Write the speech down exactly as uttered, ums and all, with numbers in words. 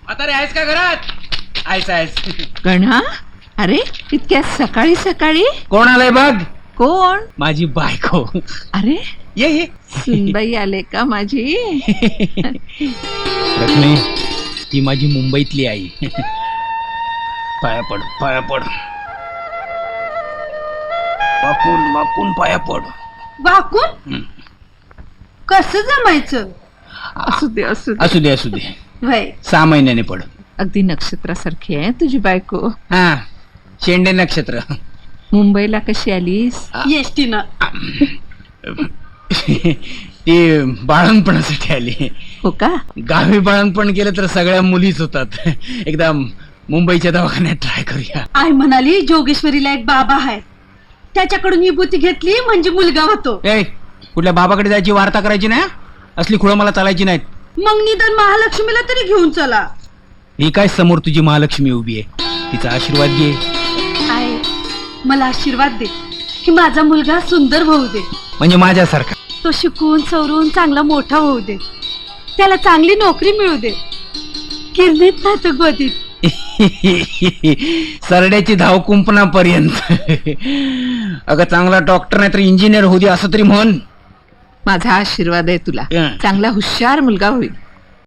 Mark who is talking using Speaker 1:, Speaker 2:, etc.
Speaker 1: आता रे आहेस का घरात? आहेस आहेस.
Speaker 2: गणा, अरे इतक्या सकाळी सकाळी
Speaker 1: कोण आलंय बघ?
Speaker 2: कोण?
Speaker 1: माझी बायको.
Speaker 2: अरे
Speaker 1: ये ये.
Speaker 2: सुनबाई आले का माझी?
Speaker 1: रश्मी, ती माझी मुंबईतली आई. पाया पड, पाया पड. वाकून वाकून पाया पड.
Speaker 3: वाकून कसं जमायचं?
Speaker 2: असू दे असू दे.
Speaker 1: असू दे असू दे.
Speaker 3: वय
Speaker 1: सहा महिन्याने पड.
Speaker 2: अगदी नक्षत्रासारखी आहे तुझी बायको.
Speaker 1: हा, शेंडे नक्षत्र.
Speaker 2: मुंबईला कशी आलीस?
Speaker 3: एसटीनं.
Speaker 1: ती बाळणपणासाठी आली.
Speaker 2: हो का?
Speaker 1: गावी बाळणपण केलं तर सगळ्या मुलीच होतात. एकदा मुंबईच्या दवाखान्यात ट्राय करूया.
Speaker 3: आई म्हणाली जोगेश्वरीला एक बाबा आहे, त्याच्याकडून विभूती घेतली म्हणजे मुलगा होतो.
Speaker 1: ए, कुठल्या बाबाकडे जायची वार्ता करायची नाही. असली खुळं मला चालायची नाहीत.
Speaker 3: मग निदान महालक्ष्मीला तरी घेऊन चला.
Speaker 1: ही काय समोर तुझी महालक्ष्मी उभी आहे, तिचा आशीर्वाद घे.
Speaker 3: आई, मला आशीर्वाद दे की माझा मुलगा सुंदर होऊ दे,
Speaker 1: म्हणजे माझ्यासारखा.
Speaker 3: तो शिकून सवरून चांगला मोठा होऊ दे, त्याला चांगली नोकरी मिळू दे, किरणीत नाही तर गोदीत.
Speaker 1: सरड्याची धाव कुंपणापर्यंत. अगं चांगला डॉक्टर नाही तर इंजिनियर होऊ दे असं तरी म्हण.
Speaker 2: माझा आशीर्वाद आहे तुला.
Speaker 1: हं.
Speaker 2: चांगला हुशार मुलगा होईल.